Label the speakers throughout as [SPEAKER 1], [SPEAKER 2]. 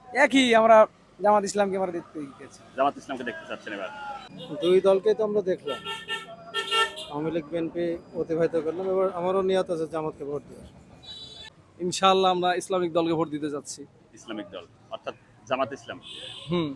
[SPEAKER 1] একই আমরা জামাত ইসলামকে আমরা দেখতে গেছি।
[SPEAKER 2] জামাত ইসলামকে দেখতে চাচ্ছেন এবার?
[SPEAKER 3] দুই দলকেই তো আমরা দেখলাম, আওয়ামী লীগ বিএনপি অতিবাহিত করলাম। এবার আমারও নিয়ত আছে জামাতকে ভোট দেওয়ার।
[SPEAKER 1] ইনশাআল্লাহ আমরা ইসলামিক দলকে ভোট দিতে যাচ্ছি।
[SPEAKER 2] ইসলামিক দল অর্থাৎ জামাত ইসলাম।
[SPEAKER 1] হুম।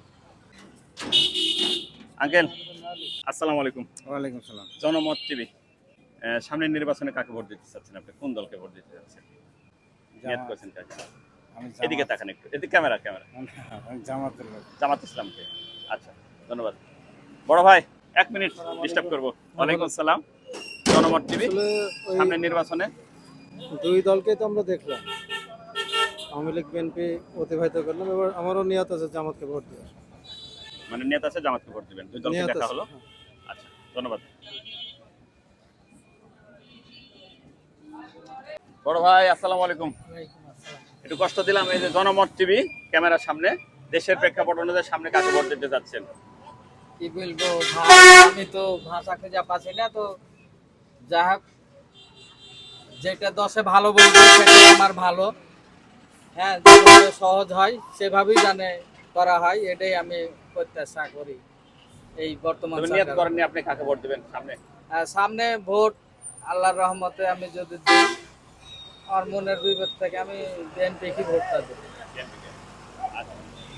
[SPEAKER 2] আঙ্কেল, আসসালামু আলাইকুম।
[SPEAKER 1] ওয়ালাইকুম সালাম।
[SPEAKER 2] জনমত টিভি, সামনের নির্বাচনে কাকে ভোট দিতে চাচ্ছেন আপনি? কোন দলকে ভোট দিতে চাচ্ছেন? নিয়ত করছেন কাকে?
[SPEAKER 1] আমি
[SPEAKER 2] এদিকে তাকান একটু, এদিকে ক্যামেরা ক্যামেরা।
[SPEAKER 1] জামাতের লোক।
[SPEAKER 2] জামাত ইসলামকে। আচ্ছা, ধন্যবাদ। বড় ভাই, 1 মিনিট ডিস্টার্ব করবো। ওয়ালাইকুম আসসালাম। জনমত টিভি,
[SPEAKER 3] আসলে ওই
[SPEAKER 2] সামনের নির্বাচনে
[SPEAKER 3] দুই দলকেই তো আমরা দেখলাম, আওয়ামী লীগ বিএনপি অতিবাহিত করলাম। এবার আমারও নিয়ত আছে জামাতকে ভোট দেওয়ার।
[SPEAKER 2] মানে নেতা আছে জামাতকে ভোট দিবেন, দুই দলকে
[SPEAKER 3] নিয়ত
[SPEAKER 2] দেখা
[SPEAKER 3] আছে,
[SPEAKER 2] হলো।
[SPEAKER 3] হ্যাঁ।
[SPEAKER 2] আচ্ছা, ধন্যবাদ। বড় ভাই, আসসালামু আলাইকুম। একটু কষ্ট দিলাম। এই যে জনমত টিভি ক্যামেরার সামনে, দেশের প্রেক্ষাপট অনুযায়ী সামনে কাকে ভোট দিতে যাচ্ছেন?
[SPEAKER 4] কি বলবো ভাই, আমি তো ভাষা খুঁজে পাচ্ছি না। তো যা হোক, যেটা দশে ভালো বলবো সেটাই আমার ভালো। হ্যাঁ, যেভাবে সহজ হয় সেভাবেই জানে করা হয়, এটাই আমি প্রত্যাশা করি এই বর্তমান
[SPEAKER 2] তবে নিয়ত
[SPEAKER 4] সরকার।
[SPEAKER 2] করেননি আপনি কাকে ভোট দিবেন সামনে?
[SPEAKER 4] সামনে ভোট আল্লাহর রহমতে আমি যদি দিই, আমার মনের বিবেক থেকে আমি বিএনপি কি ভোটটা দেবো।
[SPEAKER 2] আচ্ছা,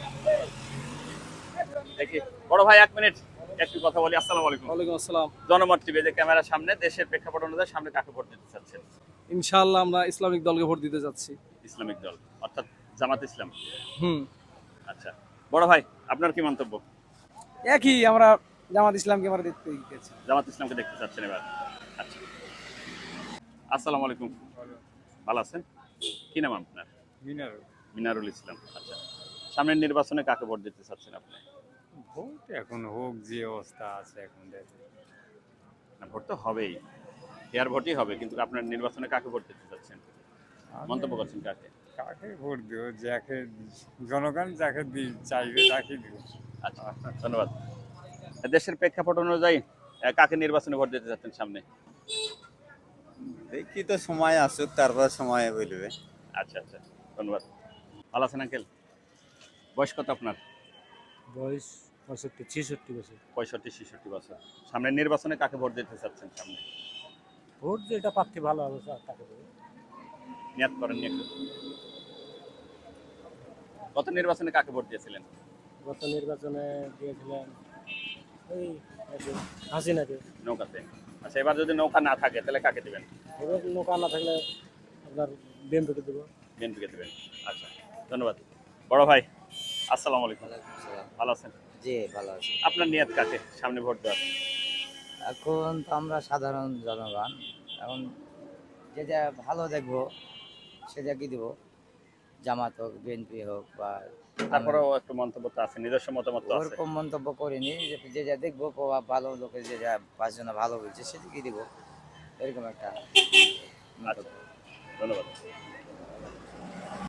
[SPEAKER 2] দেখি। বড় ভাই, 1 মিনিট একটু কথা বলি। আসসালামু আলাইকুম।
[SPEAKER 1] ওয়ালাইকুম আসসালাম।
[SPEAKER 2] জনমত টিভি যে ক্যামেরার সামনে, দেশের প্রেক্ষাপট অনুযায়ী সামনে কাকে ভোট দিতে চাচ্ছেন?
[SPEAKER 1] ইনশাআল্লাহ আমরা ইসলামিক দলকে ভোট দিতে যাচ্ছি।
[SPEAKER 2] ইসলামিক দল অর্থাৎ জামাত ইসলাম।
[SPEAKER 1] হুম।
[SPEAKER 2] আচ্ছা, বড় ভাই, আপনার কি মন্তব্য?
[SPEAKER 1] একই আমরা জামাত ইসলামকে আমরা দেখতে গেছি।
[SPEAKER 2] জামাত ইসলামকে দেখতে চাচ্ছেন এবার? আচ্ছা, আসসালামু আলাইকুম। ভালো আছেন? কি নাম আপনার? মিনারুল ইসলাম। আচ্ছা, সামনের নির্বাচনে কাকে ভোট দিতে চাচ্ছেন আপনি?
[SPEAKER 5] ভোট এখন হোক, যে অবস্থা আছে এখন দেখে।
[SPEAKER 2] না, ভোট তো হবেই, এয়ার ভোটই হবে, কিন্তু আপনার নির্বাচনে কাকে ভোট দিতে চাচ্ছেন? মন্তব্য করছেন কাকে?
[SPEAKER 5] কাকে ভোট দিব, যাকে জনগণ যাকে চাইবে তাকে দিব।
[SPEAKER 2] আচ্ছা, ধন্যবাদ। দেশের প্রেক্ষাপট অনুযায়ী কাকে নির্বাচনে ভোট দিতে চাচ্ছেন সামনে?
[SPEAKER 6] দেখি তো সময় আসুক, তারপর সময় বলবে।
[SPEAKER 2] আচ্ছা আচ্ছা, ধন্যবাদ। ভালো আছেন আঙ্কেল? বয়স কত আপনার?
[SPEAKER 3] বয়স 65-66 বছর।
[SPEAKER 2] 65-66 বছর। সামনের নির্বাচনে কাকে ভোট দিতে চাচ্ছেন সামনে?
[SPEAKER 3] ভোট যেটা প্রার্থী ভালো হবে তাকে দেবো।
[SPEAKER 2] নিয়াত করেন নি একটু? গত নির্বাচনে কাকে ভোট দিয়েছিলেন?
[SPEAKER 3] গত নির্বাচনে দিয়েছিলেন ওই হাসিনাকে।
[SPEAKER 2] নৌকাতে। আচ্ছা, এবার যদি নৌকা না থাকে তাহলে কাকে দিবেন?
[SPEAKER 3] এবার নৌকা না থাকলে আপনার বিএনপিকে দেবো।
[SPEAKER 2] বিএনপিকে দিবেন। আচ্ছা, ধন্যবাদ। বড় ভাই, আসসালামু আলাইকুম। ভালো আছেন?
[SPEAKER 7] জি, ভালো আছি।
[SPEAKER 2] আপনার নিয়াত কাকে সামনে ভোট দেওয়ার?
[SPEAKER 7] এখন তো আমরা সাধারণ জনগণ, এখন যে যা ভালো দেখবো সেটাকে দিব, জামাত হোক বিএনপি হোক বা
[SPEAKER 2] তারপরেও একটু মন্তব্য তো আছে, নিজস্ব মতামত তো আছে।
[SPEAKER 7] ওরকম মন্তব্য করিনি, যে যা দেখবো ভালো লোকের যে যা পাঁচজনে ভালো বলছে সেটাকে দিব, এরকম একটা
[SPEAKER 2] আচ্ছা, ধন্যবাদ।